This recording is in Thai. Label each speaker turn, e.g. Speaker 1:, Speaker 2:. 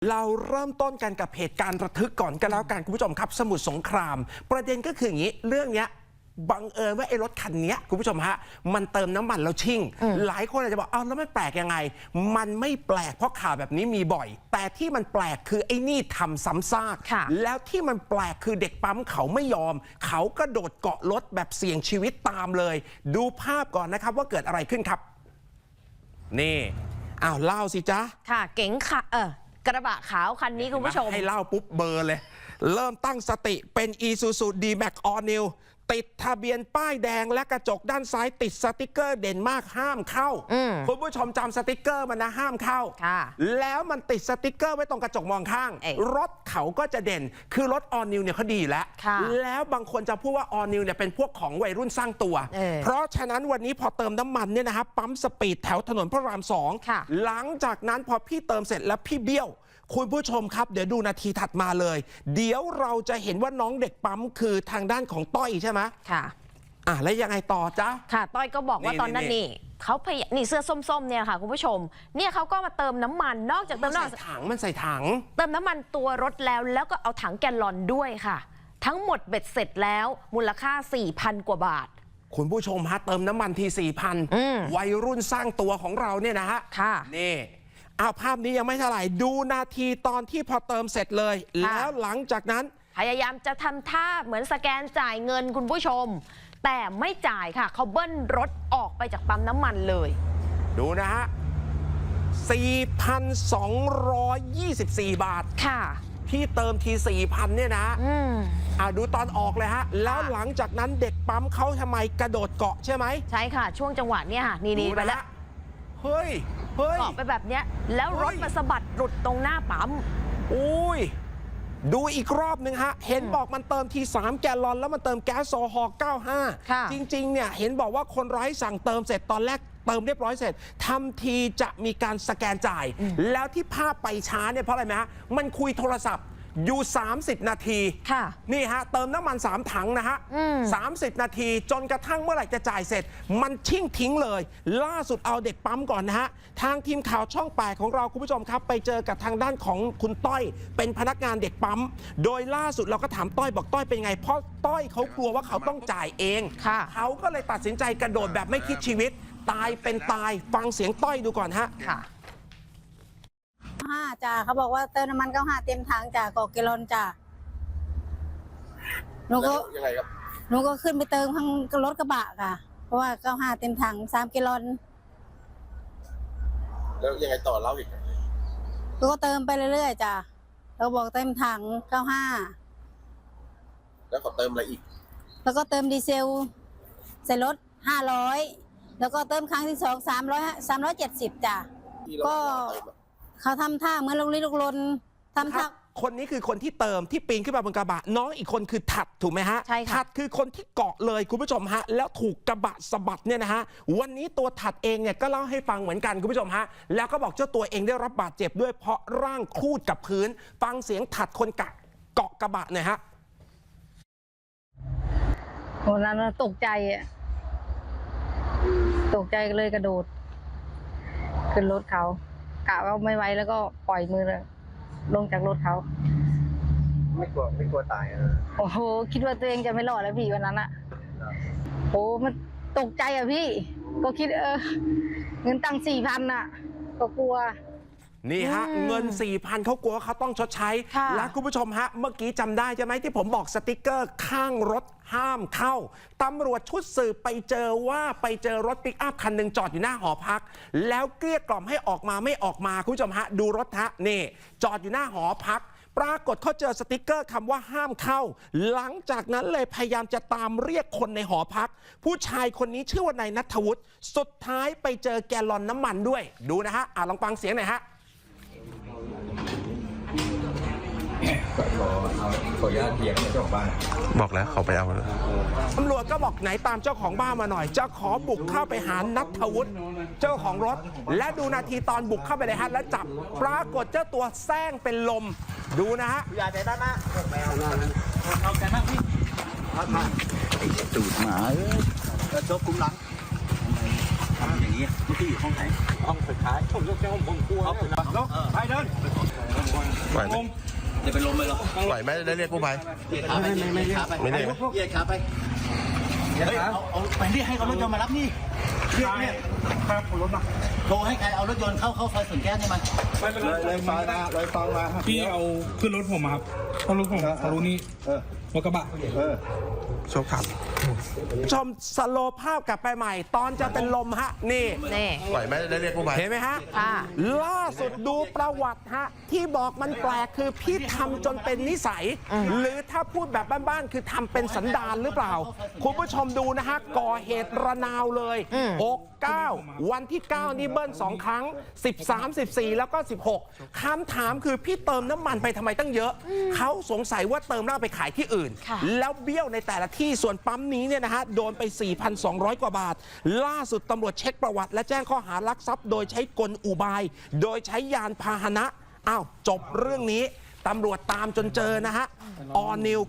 Speaker 1: เราเริ่มต้นกันกับเหตุการณ์ระทึกก่อนกันแล้วกันคุณผู้ชมครับสมุทรสงครามประเด็นก็คืออย่างนี้เรื่องเนี้ยบังเอิญว่าไอ้รถคันนี้คุณผู้ชมฮะมันเติมน้ำมันแล้วชิ่งหลายคนอาจจะบอกแล้วมันแปลกยังไงมันไม่แปลกเพราะข่าวแบบนี้มีบ่อยแต่ที่มันแปลกคือไอ้นี่ทำซ้ำซากแล้วที่มันแปลกคือเด็กปั๊มเขาไม่ยอมเขากระโดดเกาะรถแบบเสี่ยงชีวิตตามเลยดูภาพก่อนนะครับว่าเกิดอะไรขึ้นครับนี่เล่าสิจ๊ะ
Speaker 2: ค่ะเก๋งค่ะกระบะขาวคันนี้คุณผู้ชม
Speaker 1: ให้เล่าปุ๊บเบอร์เลยเริ่มตั้งสติเป็น Isuzu D-Max All New ติดทะเบียนป้ายแดงและกระจกด้านซ้ายติดสติกเกอร์เด่นมากห้ามเข้าคุณผู้ชมจำสติกเกอร์มันนะห้ามเข้าแล้วมันติดสติกเกอร์ไว้ตรงกระจกมองข้างรถเขาก็จะเด่นคือรถ All New เนี่ยเขาดีแล้วบางคนจะพูดว่า All New เนี่ยเป็นพวกของวัยรุ่นสร้างตัวเพราะฉะนั้นวันนี้พอเติมน้ำมันเนี่ยนะครับปั๊มสปีดแถวถนนพระราม2หลังจากนั้นพอพี่เติมเสร็จแล้วพี่เบี้ยวคุณผู้ชมครับเดี๋ยวดูนาทีถัดมาเลยเดี๋ยวเราจะเห็นว่าน้องเด็กปั๊มคือทางด้านของต้อยใช่ไหมค่ะแล้วยังไงต่อจ๊ะ
Speaker 2: ค่ะต้อยก็บอกว่าตอนนั้นนี่เขานี่เสื้อส้มๆเนี่ยค่ะคุณผู้ชมเนี่ยเขาก็มาเติมน้ำมันนอกจากเติมน้ำมัน
Speaker 1: มันใส่ถัง
Speaker 2: เติมน้ำมันตัวรถแล้วก็เอาถังแกลลอนด้วยค่ะทั้งหมดเบ็ดเสร็จแล้วมูลค่า 4,000 กว่าบาท
Speaker 1: คุณผู้ชมฮะเติมน้ำมันที 4,000 วัยรุ่นสร้างตัวของเราเนี่ยนะฮะค่ะนี่ภาพนี้ยังไม่เท่าไหร่ดูนาทีตอนที่พอเติมเสร็จเลยแล้วหลังจากนั้น
Speaker 2: พยายามจะทำท่าเหมือนสแกนจ่ายเงินคุณผู้ชมแต่ไม่จ่ายค่ะเขาเบิ้ลรถออกไปจากปั๊มน้ำมันเลย
Speaker 1: ดูนะฮะ 4,224 บาทค่ะที่เติมที 4,000 เนี่ยนะดูตอนออกเลยฮะแล้วหลังจากนั้นเด็กปั๊มเขาทำไมกระโดดเกาะใช่ไหม
Speaker 2: ใช่ค่ะช่วงจังหวะเนี้ยค่ะนี่ไปแล้ว
Speaker 1: เฮ้ยเ
Speaker 2: กาะไปแบบเนี้ยแล้วรถมาสะบัดหลุดตรงหน้าปั๊ม
Speaker 1: อุ้ยดูอีกรอบหนึ่งฮะเห็นบอกมันเติมที3แกลลอนแล้วมันเติมแก๊สโซฮอล์95จริงๆเนี่ยเห็นบอกว่าคนร้ายสั่งเติมเสร็จตอนแรกเติมเรียบร้อยเสร็จทำทีจะมีการสแกนจ่ายแล้วที่ภาพไปช้าเนี่ยเพราะอะไรไหมฮะมันคุยโทรศัพท์อยู่30นาทีนี่ฮะเติมน้ำมัน3ถังนะฮะ30นาทีจนกระทั่งเมื่อไหร่จะจ่ายเสร็จมันชิ่งทิ้งเลยล่าสุดเอาเด็กปั๊มก่อนนะฮะทางทีมข่าวช่อง8ของเราคุณผู้ชมครับไปเจอกับทางด้านของคุณต้อยเป็นพนักงานเด็กปั๊มโดยล่าสุดเราก็ถามต้อยบอกต้อยเป็นไงเพราะต้อยเขากลัวว่าเขาต้องจ่ายเองเขาก็เลยตัดสินใจกระโดดแบบไม่คิดชีวิตตายเป็นตายฟังเสียงต้อยดูก่อนฮะ
Speaker 3: จ้าเขาบอกว่าเติมน้ำมัน95เต็มถังจ้ากอกแกลลอนจ้าหนูก็ยังไงครับหนูก็ขึ้นไปเติมข้างรถกระบะค่ะเพราะว่า95เต็มถัง3แกลลอน
Speaker 4: แล้วยังไงต่อเล่าอีก
Speaker 3: ก็เติมไปเรื่อยๆจ้าเราบอกเต็มถัง
Speaker 4: 95แล้วเขาเติมอะไรอีก
Speaker 3: แล้วก็เติมดีเซลใส่รถ500แล้วก็เติมครั้งที่2 370จ้าก็เขาทำท่าเหมือนลงลิ้นลงลนทำท่า
Speaker 1: คนนี้คือคนที่เติมที่ปีนขึ้นมาบนกระบะน้องอีกคนคือถัดถูกไหมฮะใช่ค่ะถัดคือคนที่เกาะเลยคุณผู้ชมฮะแล้วถูกกระบะสะบัดเนี่ยนะฮะวันนี้ตัวถัดเองเนี่ยก็เล่าให้ฟังเหมือนกันคุณผู้ชมฮะแล้วก็บอกเจ้าตัวเองได้รับบาดเจ็บด้วยเพราะร่างครูดกับพื้นฟังเสียงถัดคนเกาะกระบะหน่อยฮะ
Speaker 3: วันนั้นตกใจเลยกระโดดขึ้นรถเขากะว่าไม่ไหวแล้วก็ปล่อยมือเลยลงจากรถเขา
Speaker 4: ไม่กลัวตาย
Speaker 3: โอ้โหคิดว่าตัวเองจะไม่รอดแล้วพี่วันนั้นอะโอ้มันตกใจอะพี่ก็คิดเงินตั้ง4,000อะก็กลัว
Speaker 1: นี่ฮะเงิน 4,000เขากลัวเขาต้องชดใช้และคุณผู้ชมฮะเมื่อกี้จำได้ใช่ไหมที่ผมบอกสติ๊กเกอร์ข้างรถห้ามเข้าตำรวจชุดสืบไปเจอรถปิกอัพคันหนึ่งจอดอยู่หน้าหอพักแล้วเกลี้ยกล่อมให้ออกมาไม่ออกมาคุณผู้ชมฮะดูรถฮะนี่จอดอยู่หน้าหอพักปรากฏเขาเจอสติ๊กเกอร์คำว่าห้ามเข้าหลังจากนั้นเลยพยายามจะตามเรียกคนในหอพักผู้ชายคนนี้ชื่อว่านายณัฐวุฒิสุดท้ายไปเจอแกลลอนน้ำมันด้วยดูนะฮะลองฟังเสียงหน่อยฮะ
Speaker 4: ขออนุญาตเถียงเจ้าของบ้าน
Speaker 5: บอกแล้วเขาไปเอาเลย
Speaker 1: ตำรวจก็บอกไหนตามเจ้าของบ้านมาหน่อยจะขอบุกเข้าไปหาณัฐวุฒิเจ้าของรถและดูนาทีตอนบุกเข้าไปเลยฮะแล้วจับปรากฏเจ้าตัวแซงเป็นลมดูนะฮะ
Speaker 4: อย่าใจด้านหน้าเอาใจมากพี่ไอ้ตูดหมาแล้วชกคุ้มหลัง
Speaker 6: ทำอย่างนี้เมื่อกี้อยู่ห้องไหน
Speaker 4: ห้องสุดท้ายผมยกแก้วผมกลัวแล้วไปเดิน
Speaker 5: ไหวไหม
Speaker 6: จะเป็นลมเลยเหรอ
Speaker 5: ไหวไหมได้เรียกกู้ภัย
Speaker 6: เหยียดขาไปเหยียดขาไป
Speaker 5: ไม่ได้
Speaker 6: เหยียดขาไปเฮ้ยเอาไปนี่ให้เขารถยนต์มารับนี่เรียกเนี่ย
Speaker 4: ครับรถมา
Speaker 6: โทรให้ใครเอารถยนต์เข้าซอยสวนแก้วนี่มา
Speaker 4: เลยฟังมา
Speaker 7: พี่เอาขึ้นรถผมมาครับเพราะรถผมเขารู้นี่รถกระบะ
Speaker 5: โชคครับ
Speaker 1: ชมสโลว์ภาพกลับไปใหม่ ตอนจะเป็นลมฮะ นี่
Speaker 2: นี่
Speaker 5: ไหวไหมได้เรียกกู้ภัย
Speaker 1: เห็นไหมฮะ
Speaker 2: ค่ะ
Speaker 1: ล่าสุดดูประวัติฮะ ที่บอกมันแปลกคือพี่ทำจนเป็นนิสัย หรือถ้าพูดแบบบ้านๆคือทำเป็นสันดานหรือเปล่า คุณผู้ชมดูนะฮะ ก่อเหตุระนาวเลย6 9 วันที่ 9 นี่เบิ้ล2 ครั้ง 13 14 แล้วก็ 16คำถามคือพี่เติมน้ำมันไปทำไมตั้งเยอะ เขาสงสัยว่าเติมแล้วเอาไปขายที่อื่น
Speaker 2: ค่ะ
Speaker 1: แล้วเบี้ยวในแต่ละที่ส่วนปั๊มนี้เนี่ยนะฮะโดนไป 4,200 กว่าบาท ล่าสุดตำรวจเช็คประวัติและแจ้งข้อหารักทรัพย์โดยใช้กลอุบาย โดยใช้ยานพาหนะอ้าวจบเรื่องนี้ตำรวจตามจนเจอนะฮะออนิว